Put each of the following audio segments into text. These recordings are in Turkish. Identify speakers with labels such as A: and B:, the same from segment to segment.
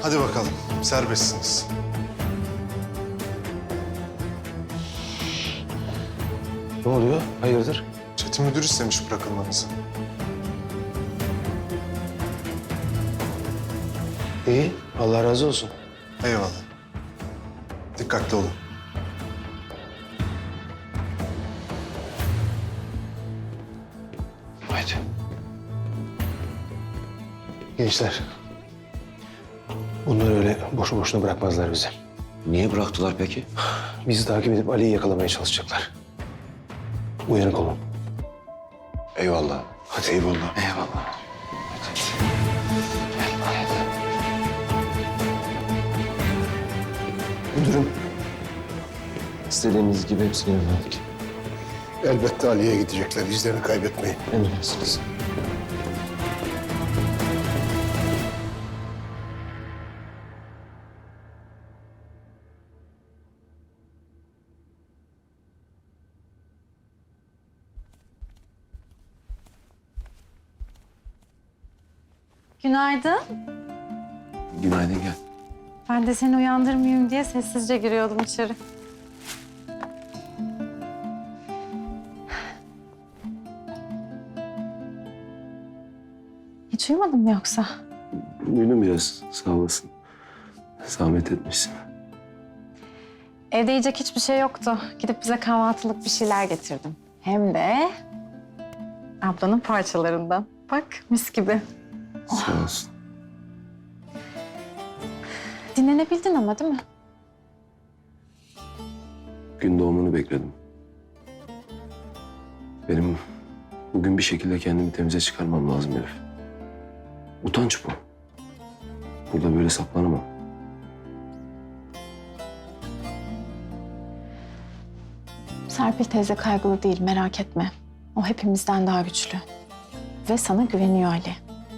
A: Hadi bakalım, serbestsiniz.
B: Ne oluyor? Hayırdır?
A: Çetin müdür istemiş bırakılmanızı.
B: İyi, Allah razı olsun.
A: Eyvallah. Dikkatli olun.
B: Haydi. Gençler, bunlar öyle boşu boşuna bırakmazlar bizi.
C: Niye bıraktılar peki?
B: Bizi takip edip Ali'yi yakalamaya çalışacaklar. Uyanık olun.
C: Eyvallah.
B: Hadi eyvallah.
C: Eyvallah.
B: Müdürüm,
C: İstediğiniz gibi hepsini verdik.
B: elbette Ali'ye gidecekler. İzlerini kaybetmeyin.
C: Emredersiniz.
D: Günaydın.
C: Günaydın gel.
D: Ben de seni uyandırmayayım diye sessizce giriyordum içeri. Hiç uyumadın mı yoksa?
C: Uyudum biraz, sağ olasın. Zahmet etmişsin.
D: Evde yiyecek hiçbir şey yoktu. Gidip bize kahvaltılık bir şeyler getirdim. Hem de ablanın parçalarından. Bak mis gibi.
C: Sağ olsun.
D: Dinlenebildin ama değil mi?
C: Gün doğumunu bekledim. Benim bugün bir şekilde kendimi temize çıkarmam lazım Elif. Utanç bu. Burada böyle saklanamam.
D: Serpil teyze kaygılı değil, merak etme. O hepimizden daha güçlü. Ve sana güveniyor Ali.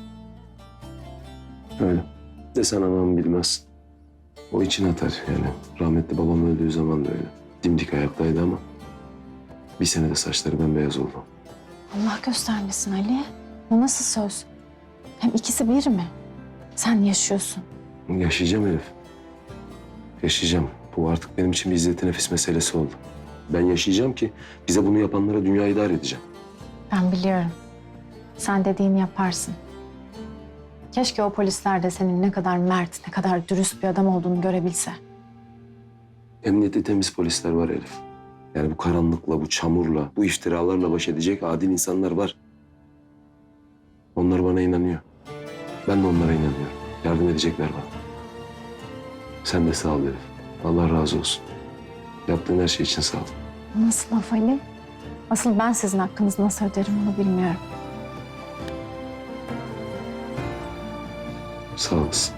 C: Öyle. Desen anam bilmez. O için atar yani. Rahmetli babam öldüğü zaman da öyle. Dimdik ayaktaydı ama bir senede saçları bembeyaz oldu.
D: Allah göstermesin Ali. Bu nasıl söz? Hem ikisi bir mi? Sen yaşıyorsun.
C: Yaşayacağım Elif. Yaşayacağım. Bu artık benim için bir izzet-i nefis meselesi oldu. Ben yaşayacağım ki bize bunu yapanlara dünyayı dar edeceğim.
D: Ben biliyorum. Sen dediğini yaparsın. Keşke o polisler de senin ne kadar mert, ne kadar dürüst bir adam olduğunu görebilse.
C: Emniyette temiz polisler var Elif. Yani bu karanlıkla, bu çamurla, bu iftiralarla baş edecek adil insanlar var. Onlar bana inanıyor. Ben de onlara inanıyorum. Yardım edecekler bana. Sen de sağ ol Elif. Allah razı olsun. Yaptığın her şey için sağ ol.
D: Nasıl laf Ali? Asıl ben sizin hakkınızı nasıl öderim onu bilmiyorum.
C: Sağ olasın.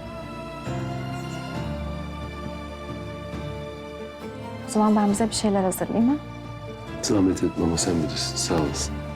D: O zaman ben bize bir şeyler hazırlayayım ha?
C: Zahmet etme ama sen bilirsin. Sağ olasın.